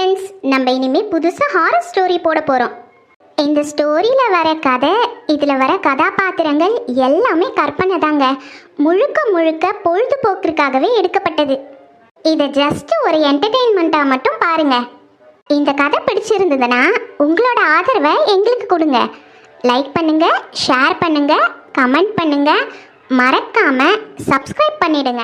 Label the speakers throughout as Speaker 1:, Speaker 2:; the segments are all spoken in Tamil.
Speaker 1: ஃப்ரெண்ட்ஸ், நம்ம இனிமே புதுசாக ஹாரர் ஸ்டோரி போட போகிறோம். இந்த ஸ்டோரியில் வர கதை, இதில் வர கதாபாத்திரங்கள் எல்லாமே கற்பனை தாங்க. முழுக்க முழுக்க பொழுதுபோக்குக்காகவே எடுக்கப்பட்டது. இதை ஜஸ்ட் ஒரு என்டர்டெயின்மெண்ட்டாக மட்டும் பாருங்கள். இந்த கதை பிடிச்சிருந்ததுன்னா உங்களோட ஆதரவை எங்களுக்கு கொடுங்க. லைக் பண்ணுங்கள், ஷேர் பண்ணுங்கள், கமெண்ட் பண்ணுங்கள், மறக்காமல் சப்ஸ்கிரைப் பண்ணிடுங்க.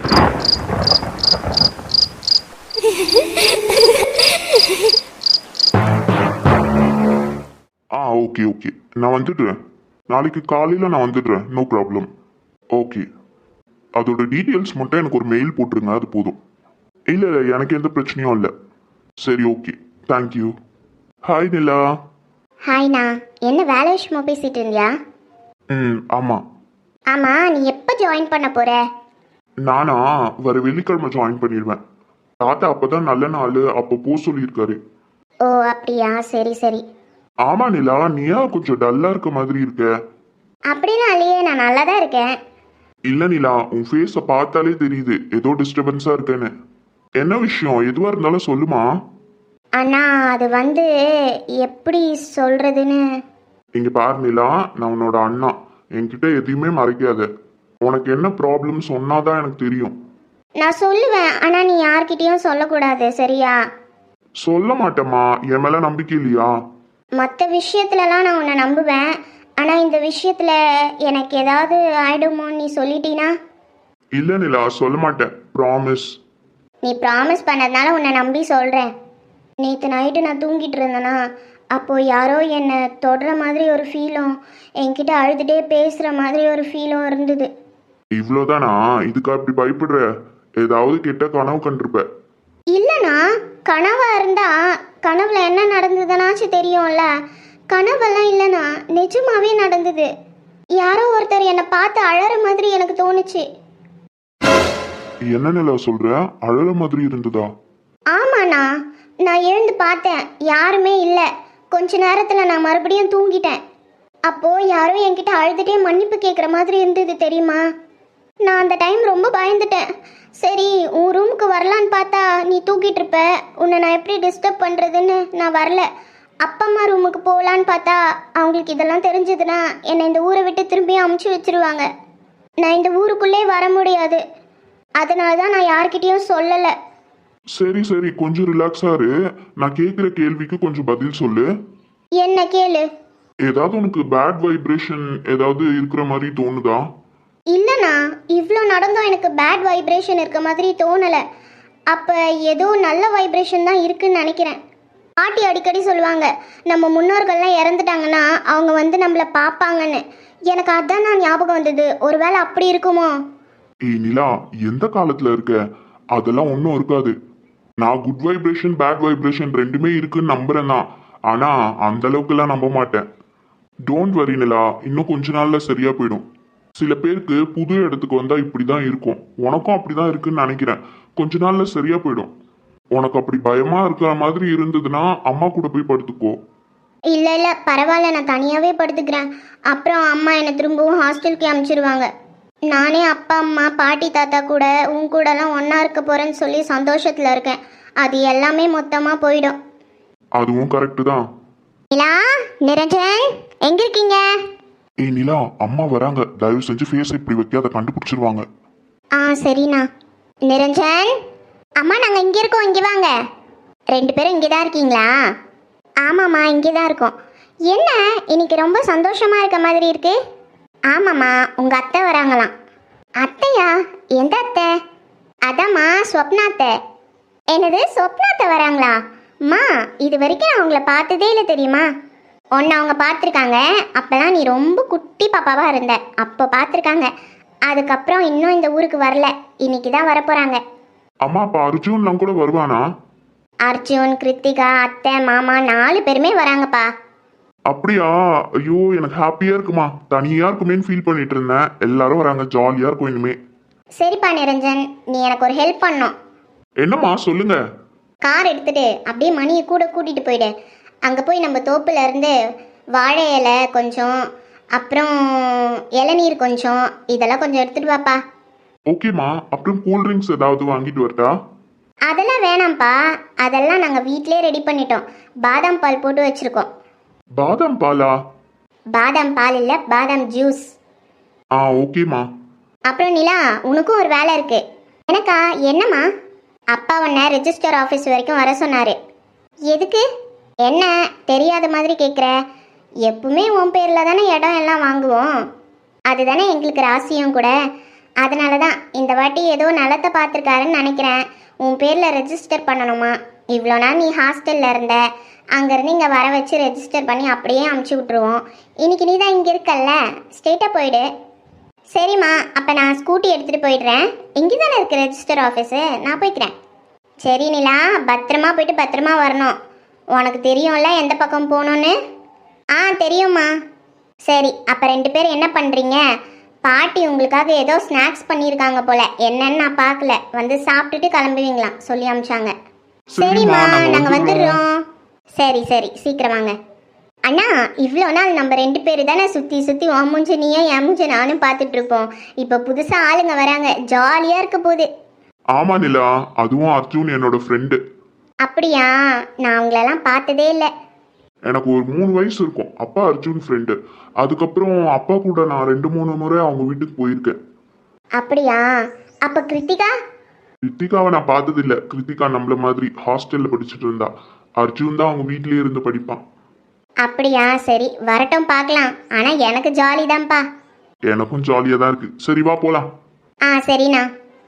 Speaker 2: ஓகே ஓகே, நான் வந்துடுறேன். நாளைக்கு காலையில் நான் வந்துடுறேன், நோ ப்ராப்ளம். ஓகே, அதோட டீட்டெயில்ஸ் மட்டும் எனக்கு ஒரு மெயில் போட்டுருங்க, அது போதும். இல்லை இல்லை, எனக்கு எந்த பிரச்சனையும் இல்லை. சரி, ஓகே, தேங்க்யூ. ஹாய் நிலா.
Speaker 1: ஹாய்ண்ணா, என்ன வேலை விஷயமா பேசிட்டு இருந்தியா?
Speaker 2: ஆமாம்.
Speaker 1: ஆமாம், நீ எப்போ ஜாயின் பண்ண போகிற?
Speaker 2: நானா வர வெள்ளிக்கிழமை ஜாயின் பண்ணிடுவேன். தாத்தா அப்போ தான் நல்ல நாள், அப்போ போக சொல்லியிருக்காரு.
Speaker 1: ஓ அப்படியா, சரி சரி.
Speaker 2: ஆமா நிலா, நீ ஏன் கொஞ்சம் டல்லா இருக்க மாதிரி இருக்க?
Speaker 1: அப்படிலாம் இல்லையே, நான் நல்லா தான் இருக்கேன்.
Speaker 2: இல்ல நிலா, உன் ஃபேஸ பார்த்தாலே தெரியுது ஏதோ டிஸ்டர்பன்ஸா இருக்குன்னு. என்ன விஷயம்? எதுவா இருந்தாலும் சொல்லுமா.
Speaker 1: அண்ணா, அது வந்து எப்படி சொல்றதுன்னு.
Speaker 2: இங்க பாரு நிலா, நான் உன்னோட அண்ணா, என்கிட்ட எதையுமே மறைக்காத. உனக்கு என்ன ப்ராப்ளம் சொன்னாதான் எனக்கு தெரியும்.
Speaker 1: நான் சொல்லுவேன், ஆனால் நீ யார்கிட்டயும் சொல்லக்கூடாது, சரியா?
Speaker 2: சொல்ல மாட்டேம்மா, என் மேல நம்பிக்கை இல்லையா?
Speaker 1: மற்ற விஷயத்துலலாம் நான் உன்னை நம்புவேன், ஆனால் இந்த விஷயத்தில் எனக்கு ஏதாவது ஆயிடுமோன்னு நீ சொல்லிட்டீனா?
Speaker 2: இல்ல நிலா, சொல்ல மாட்டேன், ப்ராமிஸ்.
Speaker 1: நீ ப்ராமிஸ் பண்ணதுனால உன்னை நம்பி சொல்கிறேன். நேற்று நைட்டு நான் தூங்கிட்டு இருந்தேனா, அப்போது யாரோ என்னை தொடுற மாதிரி ஒரு ஃபீலும், என்கிட்ட அழுதுகிட்டே பேசுகிற மாதிரி ஒரு ஃபீலும் இருந்தது.
Speaker 2: இவ்வளோதானா? இதுக்கா இப்படி பயப்படுற? ஏதாவது கெட்ட கனவு கண்டிருப்ப.
Speaker 1: இல்லைண்ணா, கனவா இருந்தா கனவுல என்ன நடந்ததுனாச்சும் தெரியும்ல. கனவெல்லாம் இல்லைண்ணா, நிஜமாவே நடந்தது. யாரோ ஒருத்தர் என்னை பார்த்து அழற மாதிரி எனக்கு தோணுச்சு.
Speaker 2: என்ன நிலா சொல்ற? அழற மாதிரி இருந்ததா?
Speaker 1: ஆமாண்ணா, நான் எழுந்து பார்த்தேன், யாருமே இல்லை. கொஞ்ச நேரத்தில் நான் மறுபடியும் தூங்கிட்டேன். அப்போது யாரோ என்கிட்ட அழுதுகிட்டே மன்னிப்பு கேட்குற மாதிரி இருந்தது தெரியுமா. நான் அந்த டைம் ரொம்ப பயந்துட்டேன். சரி, உன் ரூமுக்கு வரலான்னு பார்த்தா நீ தூக்கிட்டு இருப்ப, உன்னை நான் எப்படி டிஸ்டர்ப் பண்ணுறதுன்னு நான் வரல. அப்பா அம்மா ரூமுக்கு போகலான்னு பார்த்தா அவங்களுக்கு இதெல்லாம் தெரிஞ்சதுன்னா என்னை இந்த ஊரை விட்டு திரும்பியும் அமுச்சு வச்சிருவாங்க. நான் இந்த ஊருக்குள்ளே வர முடியாது. அதனால தான் நான் யார்கிட்டயும் சொல்லலை.
Speaker 2: சரி சரி, கொஞ்சம் ரிலாக்ஸா இரு. நான் கேட்குற கேள்விக்கு கொஞ்சம் பதில் சொல்லு.
Speaker 1: என்ன கேளு.
Speaker 2: ஏதாவது உனக்கு பேட் வைப்ரேஷன் ஏதாவது இருக்கிற மாதிரி தோணுதா?
Speaker 1: இல்லைண்ணா, இவ்வளோ நடந்தும் எனக்கு பேட் வைப்ரேஷன் இருக்க மாதிரி தோணலை. அப்போ ஏதோ நல்ல வைப்ரேஷன் தான் இருக்குன்னு நினைக்கிறேன். பாட்டி அடிக்கடி சொல்லுவாங்க, நம்ம முன்னோர்கள்லாம் இறந்துட்டாங்கன்னா அவங்க வந்து நம்மளை பார்ப்பாங்கன்னு. எனக்கு அதான் நான் ஞாபகம் வந்தது. ஒருவேளை அப்படி இருக்குமோ?
Speaker 2: ஏய் நிலா, எந்த காலத்துல இருக்க? அதெல்லாம் ஒன்றும் இருக்காது. நான் குட் வைப்ரேஷன் பேட் வைப்ரேஷன் ரெண்டுமே இருக்குன்னு நம்புறேன் தான். ஆனா அந்த அளவுக்குலாம் நம்ப மாட்டேன். டோன்ட் வரி நிலா, இன்னும் கொஞ்ச நாள்ல சரியா போயிடும். சில பேருக்கு புது இடத்துக்கு வந்தா இப்படிதான் இருக்கும். உனக்கும் அப்படிதான் இருக்குன்னு நினைக்கிறேன். கொஞ்ச நாள்ல சரியா போயிடும். உனக்கு அப்படி பயமா இருக்கிற மாதிரி இருந்ததுன்னா அம்மா கூட போய் படுத்துக்கோ.
Speaker 1: இல்லை இல்லை, பரவாயில்ல, நான் தனியாகவே படுத்துக்கிறேன். அப்புறம் அம்மா என்னை திரும்பவும் ஹாஸ்டலுக்கு அனுப்பிச்சிடுவாங்க. நானே அப்பா அம்மா பாட்டி தாத்தா கூட உன் கூடலாம் ஒன்றா இருக்க போகிறேன்னு சொல்லி சந்தோஷத்தில் இருக்கேன். அது எல்லாமே மொத்தமாக போயிடும்.
Speaker 2: அதுவும் கரெக்டு தான்.
Speaker 1: நிலா, நிரஞ்சன், எங்க இருக்கீங்க?
Speaker 2: ஏய் நிலா, அம்மா வராங்க, தயவு செஞ்சு ஃபேஸ் இப்படி வைக்காத, கண்டுபிடிச்சிருவாங்க.
Speaker 1: சரிண்ணா. நிரஞ்சன், அம்மா நாங்கள் இங்கே இருக்கோம், இங்கே வாங்க. ரெண்டு பேரும் இங்கே தான் இருக்கீங்களா? ஆமாம்மா, இங்கே தான் இருக்கோம். என்ன இன்னைக்கு ரொம்ப சந்தோஷமாக இருக்க மாதிரி இருக்கு? ஆமாம்மா, உங்கள் அத்தை வராங்களாம். அத்தையா? எந்த அத்தை? அதாம்மா, ஸ்வப்னா அத்தை. என்னது, ஸ்வப்னா அத்தை வராங்களா? அம்மா, இது வரைக்கும் நான் அவங்கள பார்த்ததே இல்லை தெரியுமா? ஒன்று அவங்க பார்த்துருக்காங்க, அப்போல்லாம் நீ ரொம்ப குட்டி பாப்பாவாக இருந்த, அப்போ பார்த்துருக்காங்க. அதுக்கப்புறம் இன்னும் இந்த ஊருக்கு வரல, இன்னைக்கு தான் வரப்போகிறாங்க.
Speaker 2: அம்மா, அப்பா அர்ஜுன்லாம் கூட வருவானா?
Speaker 1: அர்ஜுன், கிருத்திகா, அத்தை, மாமா 4 பேருமே வராங்கப்பா.
Speaker 2: அப்படியா? ஐயோ, எனக்கு ஹாப்பியா இருக்குமா. தனியா இருக்குமேன்னு ஃபீல் பண்ணிட்டு இருந்தேன். எல்லாரும் வராங்க, ஜாலியா இருக்கும் இனிமே.
Speaker 1: சரிப்பா நிரஞ்சன், நீ எனக்கு ஒரு ஹெல்ப் பண்ணணும்.
Speaker 2: என்னம்மா, சொல்லுங்க.
Speaker 1: கார் எடுத்துட்டு அப்படியே மணியை கூட கூட்டிகிட்டு போயிடு. அங்கே போய் நம்ம தோப்புல இருந்து வாழை இலை கொஞ்சம், அப்புறம் இளநீர் கொஞ்சம், இதெல்லாம் கொஞ்சம் எடுத்துட்டு வாப்பா.
Speaker 2: ஓகேம்மா, அப்புறம் கூல் ட்ரிங்க்ஸ் ஏதாவது வாங்கிட்டு வரட்டா?
Speaker 1: அதெல்லாம் வேணாம்ப்பா, அதெல்லாம் நாங்கள் வீட்டிலே ரெடி பண்ணிட்டோம். பாதாம் பால் போட்டு வச்சுருக்கோம்.
Speaker 2: பாதாம் பாலா?
Speaker 1: பாதாம் பால் இல்லை, பாதாம் ஜூஸ்.
Speaker 2: ஓகேம்மா.
Speaker 1: அப்புறம் நிலா, உனக்கும் ஒரு வேலை இருக்கு. எனக்கா? என்னம்மா? அப்பா உன்னை ரெஜிஸ்டர் ஆஃபீஸ் வரைக்கும் வர சொன்னார். எதுக்கு? என்ன தெரியாத மாதிரி கேட்குற? எப்பவுமே உன் பேரில் தானே இடம் எல்லாம் வாங்குவோம், அதுதானே எங்களுக்கு ராசியும் கூட. அதனால தான் இந்த வாட்டி ஏதோ நிலத்தை பார்த்துருக்காருன்னு நினைக்கிறேன். உன் பேரில் ரெஜிஸ்டர் பண்ணணுமா? இவ்வளோ நாள் நீ ஹாஸ்டலில் இருந்த, அங்கேருந்து இங்கே வர வச்சு ரெஜிஸ்டர் பண்ணி அப்படியே அமுச்சு விட்ருவோம். இன்னைக்கு நீ தான் இங்கே இருக்கல்ல, ஸ்ட்ரெயிட்டாக போயிடு. சரிம்மா, அப்போ நான் ஸ்கூட்டி எடுத்துகிட்டு போயிடுறேன். இங்கே தானே இருக்குது ரெஜிஸ்டர் ஆஃபீஸு, நான் போய்க்கிறேன். சரி நிலா, பத்திரமா போயிட்டு பத்திரமா வரணும். உனக்கு தெரியும்ல எந்த பக்கம் போகணுன்னு? தெரியும்மா. சரி, அப்போ 2 பேர் என்ன பண்ணுறீங்க? பாட்டி உங்களுக்காக ஏதோ ஸ்நாக்ஸ் பண்ணியிருக்காங்க போல, என்னன்னு நான் பார்க்கல. வந்து சாப்பிட்டுட்டு கிளம்புவீங்களாம் சொல்லி அமிச்சாங்க. சரிம்மா, நாங்கள் வந்துடுறோம். சரி சரி, சீக்கிரம் வாங்க. அண்ணா, இவ்வளோ நாள் நம்ம 2 பேர் தானே சுற்றி சுற்றி உன் மூஞ்சி நீயும் என் மூஞ்சி நானும் பார்த்துட்டு இருப்போம். இப்போ புதுசாக ஆளுங்க வராங்க, ஜாலியாக இருக்க போகுது.
Speaker 2: ஆமா நிலா, அதுவும் அர்ஜுன் என்னோட ஃப்ரெண்டு.
Speaker 1: அப்படியா? நான் உங்களெல்லாம் பார்த்ததே இல்லை.
Speaker 2: எனக்கு ஒரு 3 வயசு இருக்கும். அப்பா அர்ஜுன் ஃப்ரெண்டு. அதுக்கப்புறம் அப்பா கூட நான் 2-3 முறை அவங்க வீட்டுக்கு போயிருக்கேன்.
Speaker 1: அப்படியா? அப்போ கிருத்திகா?
Speaker 2: கிருத்திகாவை நான் பார்த்ததில்ல. கிருத்திகா நம்மள மாதிரி ஹாஸ்டல்ல படிச்சுட்டு இருந்தா. அர்ஜுன் தான் அவங்க வீட்லயே இருந்து படிப்பான்.
Speaker 1: அப்படியா? சரி, வரட்டும் பார்க்கலாம். ஆனால் எனக்கு ஜாலி தான்ப்பா.
Speaker 2: எனக்கும் ஜாலியாக தான் இருக்கு. சரி வா போலாம்.
Speaker 1: சரிண்ணா.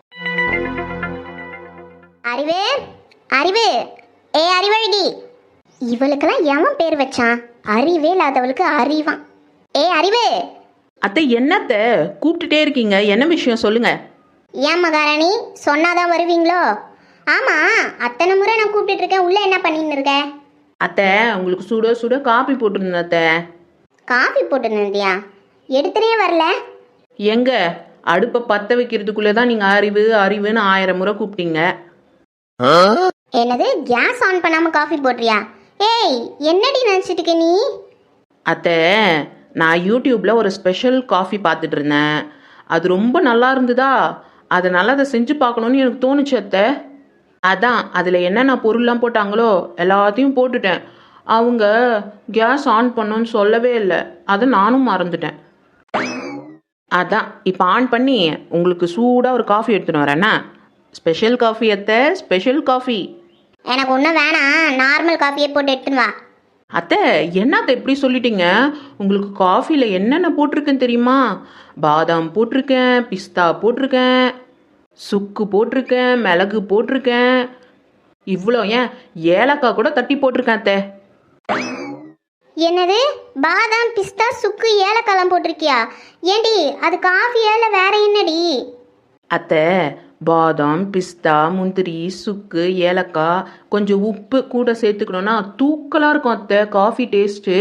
Speaker 1: அறிவு, அறிவு, அறிவழகி. இவளுக்கெல்லாம் எவன் பேர் வச்சான்? அறிவே இல்லாதவளுக்கு அறிவான். அறிவு.
Speaker 3: அத்தை, என்னத்த கூப்பிட்டுட்டே இருக்கீங்க? என்ன விஷயம் சொல்லுங்க.
Speaker 1: ஏன் மகாராணி, சொன்னாதான் வருவீங்களோ? ஆமா, அத்தனை முறை நான் கூப்பிட்டு இருக்கேன், உள்ள என்ன பண்ணின்னு இருக்க?
Speaker 3: அத்தை, உங்களுக்கு சுட சுட காப்பி போட்டுருந்தேன் அத்தை.
Speaker 1: காஃபி போட்டுருந்தியா? எடுத்துனே வரல.
Speaker 3: எங்க அடுப்பை பற்ற வைக்கிறதுக்குள்ளே தான் நீங்கள் அறிவு அறிவுன்னு 1000 முறை கூப்பிட்டீங்க.
Speaker 1: என்னது, கேஸ் ஆன் பண்ணாம காஃபி போடுறியா? என்னடி நினச்சிட்டு இருக்க நீ?
Speaker 3: அத்தை, நான் யூடியூப்பில் ஒரு ஸ்பெஷல் காஃபி பார்த்துட்டு இருந்தேன். அது ரொம்ப நல்லா இருந்ததா, அதனால் அதை செஞ்சு பார்க்கணுன்னு எனக்கு தோணுச்சு அத்தை. அதான் அதில் என்னென்ன பொருள்லாம் போட்டாங்களோ எல்லாத்தையும் போட்டுட்டேன். அவங்க கேஸ் ஆன் பண்ணோன்னு சொல்லவே இல்லை, அதை நானும் மறந்துட்டேன். அதான் இப்போ ஆன் பண்ணி உங்களுக்கு சூடாக ஒரு காஃபி எடுத்துன்னு வரேன்னா. ஸ்பெஷல் காஃபி அத்தை, ஸ்பெஷல் காஃபி.
Speaker 1: எனக்கு ஒன்றும் வேணாம், நார்மல் காஃபியே போட்டு எடுத்துன்னு வா.
Speaker 3: அத்தை, என்னத்தை எப்படி சொல்லிட்டீங்க? உங்களுக்கு காஃபியில் என்னென்ன போட்டிருக்கேன்னு தெரியுமா? பாதாம் போட்டிருக்கேன், பிஸ்தா போட்டிருக்கேன், சுக்கு போட்டிருக்கேன், மிளகு போட்டிருக்கேன், இவ்வளோ ஏன் ஏலக்காய் கூட தட்டி போட்டிருக்கேன் அத்தை.
Speaker 1: என்னது, பாதாம் பிஸ்தா சுக்கு ஏலக்காலாம் போட்டிருக்கியா? ஏண்டி அது காஃபியா இல்லை வேற என்னடி?
Speaker 3: அத்தை, பாதாம் பிஸ்தா முந்திரி சுக்கு ஏலக்காய் கொஞ்சம் உப்பு கூட சேர்த்துக்கணுன்னா தூக்கலாக இருக்கும் அத்தை காஃபி டேஸ்ட்டு.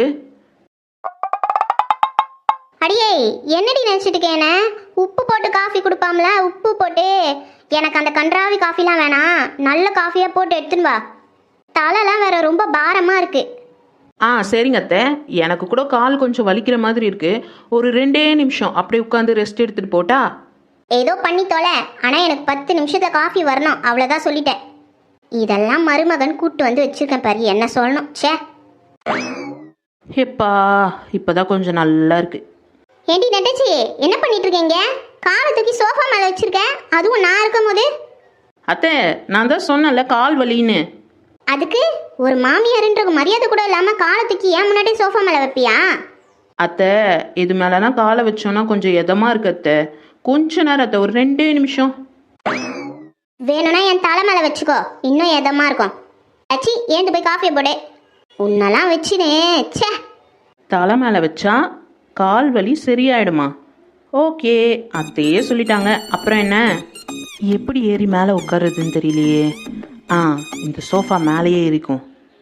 Speaker 1: அடியே, என்னடி நினச்சிட்டு கேன? உப்பு போட்டு காஃபி கொடுப்பாம்ல, உப்பு போட்டு. எனக்கு அந்த கன்றாவி காஃபிலாம் வேணாம், நல்ல காஃபியாக போட்டு எடுத்துன்னு வா. தலைலாம் வேற ரொம்ப பாரமாக இருக்கு.
Speaker 3: சரிங்க அத்தை, எனக்கு கூட கால் கொஞ்சம் வலிக்கிற மாதிரி இருக்கு. ஒரு 2 நிமிஷம் அப்படியே உட்காந்து ரெஸ்ட் எடுத்துட்டு போட்டா?
Speaker 1: ஏதோ பண்ணி தொலை, ஆனால் எனக்கு 10 நிமிஷத்துல காஃபி வரணும், அவ்வளோதான் சொல்லிட்டேன். இதெல்லாம் மருமகன் கூட்டு வந்து வச்சிருக்கேன் பாரு, என்ன சொல்லணும். சே
Speaker 3: எப்பா, இப்போதான் கொஞ்சம் நல்லா இருக்கு.
Speaker 1: ஏண்டி நெட்டச்சி, என்ன பண்ணிட்டு இருக்கீங்க? காலை தூக்கி சோஃபா மேலே வச்சிருக்கேன், அதுவும் நான் இருக்கும் போது.
Speaker 3: அத்தை, நான் தான் சொன்னேன்ல கால் வலின்னு.
Speaker 1: அதுக்கு ஒரு மாமியாருன்ற மரியாதை கூட இல்லாமல் காலை தூக்கி ஏன் முன்னாடி சோஃபா மேலே வைப்பியா?
Speaker 3: அத்தை, இது மேலனா காலை வச்சோன்னா கொஞ்சம் எதமாக இருக்கு அத்தை. கொஞ்ச நேரம் அத்தை, ஒரு 2 நிமிஷம்.
Speaker 1: வேணும்னா என் தலை மேலே வச்சுக்கோ, இன்னும் எதமா இருக்கும். அச்சி, ஏந்து போய் காஃபியை போடு. உன்னெல்லாம் வச்சுனே. சே,
Speaker 3: தலை மேலே வச்சா கால் வலி சரியாயிடுமா? ஓகே, அத்தையே சொல்லிட்டாங்க, அப்புறம் என்ன? எப்படி ஏறி மேலே உட்காருதுன்னு தெரியலையே. இந்த சோஃபா மேலேயே இருக்கும்.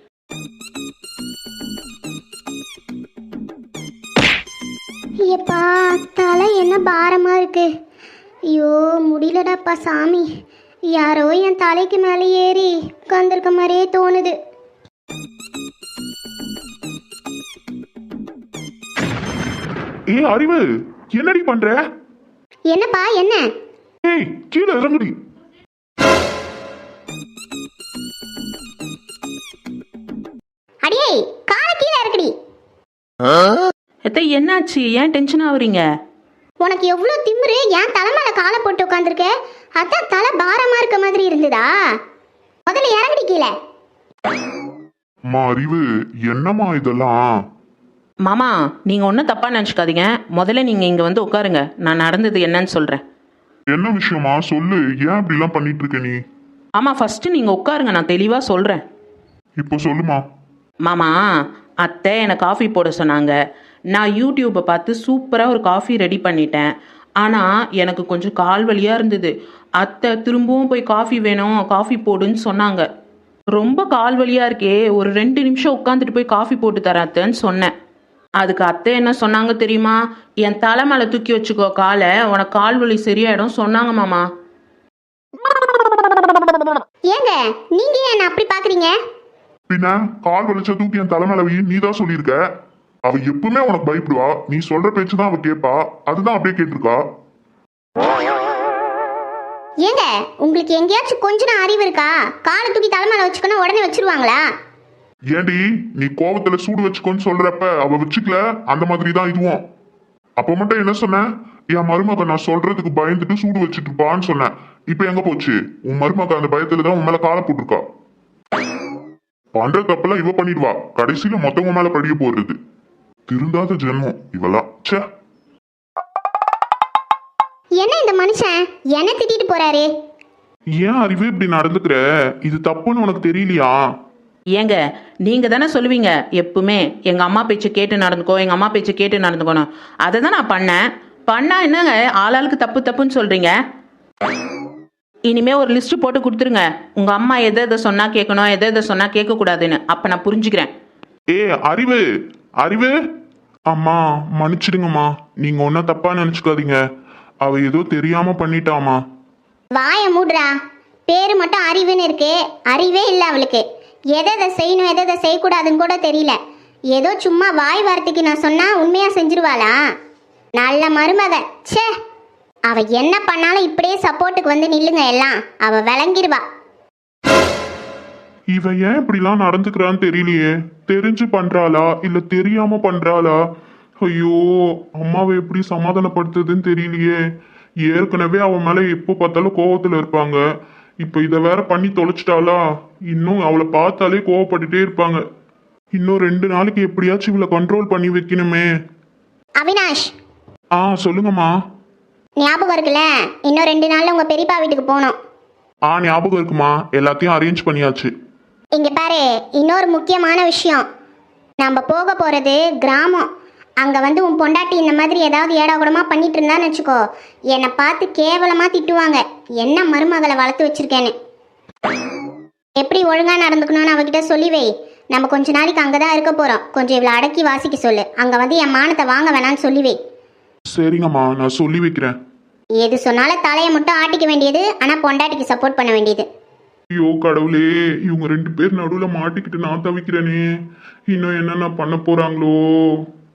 Speaker 1: ஐயப்பா, தலை என்ன பாரமா இருக்கு. ஐயோ, முடியலடாப்பா சாமி. யாரோ என் தலைக்கு மேலே ஏறி உட்காந்துருக்க மாதிரியே தோணுது.
Speaker 2: அறிவு, என்னடி பண்ற?
Speaker 1: என்னப்பா, என்ன?
Speaker 2: கீழே இறங்குடி.
Speaker 1: அடியே காலை கீழே இருக்குடி.
Speaker 3: எத்த என்னாச்சு? ஏன் டென்ஷன் ஆகுறீங்க?
Speaker 1: உனக்கு எவ்வளோ திமிரு, ஏன் தலை மேலே காலை போட்டு உட்காந்துருக்க? அதான் தலை பாரமா இருக்க மாதிரி இருந்ததா? முதல்ல இறங்கடி கீழே.
Speaker 2: அம்மா அறிவு, என்னம்மா இதெல்லாம்?
Speaker 3: மாமா நீங்கள் ஒன்றும் தப்பாக நினச்சிக்காதீங்க. முதல்ல நீங்கள் இங்கே வந்து உட்காருங்க, நான் நடந்தது என்னன்னு சொல்கிறேன்.
Speaker 2: என்ன விஷயமா சொல்லு, ஏன் இப்படிலாம் பண்ணிட்டு இருக்க நீ?
Speaker 3: ஆமாம், ஃபஸ்ட்டு நீங்கள் உட்காருங்க, நான் தெளிவாக சொல்கிறேன்.
Speaker 2: இப்போ சொல்லுமா.
Speaker 3: மாமா, அத்தை என்னை காஃபி போட சொன்னாங்க. நான் யூடியூப்பை பார்த்து சூப்பராக ஒரு காஃபி ரெடி பண்ணிட்டேன். ஆனால் எனக்கு கொஞ்சம் கால் வலியாக இருந்தது. அத்தை திரும்பவும் போய் காஃபி வேணும், காஃபி போடுன்னு சொன்னாங்க. ரொம்ப கால் வலியாக இருக்கே, ஒரு 2 நிமிஷம் உட்காந்துட்டு போய் காஃபி போட்டு தரேன் அத்தைன்னு சொன்னேன். அதுக்கு அத்தை என்ன சொன்னாங்க தெரியுமா? என் தலை மேலே தூக்கி வச்சுக்கோ காலை, உனக்கு கால் வலி சரியாயிடும் சொன்னாங்க மாமா.
Speaker 1: ஏங்க நீங்க ஏன் என்ன அப்படி பாக்குறீங்க?
Speaker 2: பின்ன கால் வலிச்ச தூக்கி என் தலைமையில நீ தான் சொல்லியிருக்க. அவ எப்பவுமே உனக்கு பயப்படுவா, நீ சொல்ற பேச்சு தான் அவ கேட்பா, அதுதான் அப்படியே கேட்டிருக்கா.
Speaker 1: ஏங்க உங்களுக்கு எங்கேயாச்சும் கொஞ்சம் அறிவு இருக்கா? காலை தூக்கி தலைமையில வச்சுக்கணும் உடனே வச்சிருவாங்களா?
Speaker 2: ஏண்டி நீ கோபத்துல சூடு வச்சுக்கோன்னு சொல்றப்ப அவ வச்சுக்கல, அந்த மாதிரி தான் இதுவும். அப்ப மட்டும் என்ன சொன்ன? என் மருமக நான் சொல்றதுக்கு பயந்துட்டு சூடு வச்சுட்டு இருப்பான்னு சொன்னேன். இப்ப எங்க போச்சு? உன் மருமக அந்த பயத்துல தான் உன் மேல காலை போட்டிருக்கா. பண்ற தப்பெல்லாம் இவ பண்ணிடுவா, கடைசியில மொத்தவங்க மேல படிய போடுறது. திருந்தாத ஜென்மம் இவெல்லாம். ச்சே.
Speaker 1: என்ன இந்த மனுஷன் என்ன திட்டிட்டு போறாரு?
Speaker 2: ஏன் அறிவு இப்படி நடந்துக்கிற? இது தப்புன்னு உனக்கு தெரியலையா?
Speaker 3: ஏங்க நீங்கள் தானே சொல்லுவீங்க எப்பவுமே, எங்கள் அம்மா பேச்சு கேட்டு நடந்துக்கோ, எங்கள் அம்மா பேச்சு கேட்டு நடந்துக்கணும். அதை தான் நான் பண்ணா என்னங்க ஆளாளுக்கு தப்பு தப்புன்னு சொல்கிறீங்க? இனிமே ஒரு லிஸ்ட்டு போட்டு கொடுத்துருங்க, உங்கள் அம்மா எதை எதை சொன்னால் கேட்கணும், எதை எதை சொன்னால் கேட்கக்கூடாதுன்னு. அப்போ நான் புரிஞ்சுக்கிறேன்.
Speaker 2: ஏ அறிவு, அறிவு. அம்மா மன்னிச்சிடுங்கம்மா, நீங்க ஒன்னும் தப்பா நினைச்சுக்காதீங்க. அவ ஏதோ தெரியாம பண்ணிட்டாமா.
Speaker 1: வாய மூடுறா. பேரு மட்டும் அறிவுன்னு இருக்கு, அறிவே இல்லை அவளுக்கு. எதை எதை செய்யணும் எதை எதை செய்யக்கூடாதுன்னு கூட தெரியல. ஏதோ சும்மா வாய் வார்த்தைக்கு நான் சொன்னா உண்மையா செஞ்சிருவாளா? நல்ல மருமக. ச்சே, அவ என்ன பண்ணாலும் இப்படியே சப்போர்ட்டுக்கு வந்து நில்லுங்க எல்லாம், அவ விளங்கிருவா.
Speaker 2: இவ ஏன் இப்படிலாம் நடந்துக்கிறான்னு தெரியலையே. தெரிஞ்சு பண்றாளா இல்ல தெரியாம பண்றாளா? ஐயோ, அம்மாவை எப்படி சமாதானப்படுத்துதுன்னு தெரியலையே. ஏற்கனவே அவன் மேல எப்போ பார்த்தாலும் கோவத்துல இருப்பாங்க. இப்ப இத வேற பண்ணி தொலைச்சிட்டாளா? இன்னும் அவளை பார்த்தாலே கோவப்பட்டுட்டே இருப்பாங்க. இன்னும் 2 நாளைக்கு எப்படியாச்சும் இவளை கண்ட்ரோல் பண்ணி வைக்கணுமே.
Speaker 1: அவினாஷ்,
Speaker 2: சொல்லுங்கம்மா.
Speaker 1: ஞாபகம் இருக்குல்ல, இன்னும் 2 நாள்ல உங்க பெரியப்பா வீட்டுக்கு போகணும்.
Speaker 2: ஞாபகம் இருக்குமா, எல்லாத்தையும் அரேஞ்ச் பண்ணியாச்சு.
Speaker 1: இங்க பாரு, இன்னொரு முக்கியமான விஷயம். நம்ம போக போறது கிராமம். அங்க வந்து உன் பொண்டாட்டி இந்த மாதிரி ஏதாவது ஏடாகுடமா பண்ணிட்டு இருந்தான்னு வச்சுக்கோ, என்னை பார்த்து கேவலமா திட்டுவாங்க. என்ன மருமகளை வளர்த்து வச்சிருக்கேன்னு. எப்படி ஒழுங்கா நடந்துக்கணும்னு அவகிட்ட சொல்லி வை. நம்ம கொஞ்ச நாளைக்கு அங்கதான் இருக்க போறோம். கொஞ்சம் இவ்வளவு அடக்கி வாசிக்க சொல்லு. அங்க வந்து என் மானத்தை வாங்க வேணான்னு சொல்லி வை.
Speaker 2: சரிங்கம்மா, நான் சொல்லி வைக்கிறேன்.
Speaker 1: எது சொன்னாலும் தலையை மட்டும் ஆட்டிக்க வேண்டியது, ஆனா பொண்டாட்டிக்கு சப்போர்ட் பண்ண வேண்டியது.
Speaker 2: ஐயோ கடவுளே, இவங்க 2 பேர் நடுவுல மாட்டிக்கிட்டு நான் தவிக்கிறேனே. இன்னும் என்னென்ன பண்ண போறாங்களோ.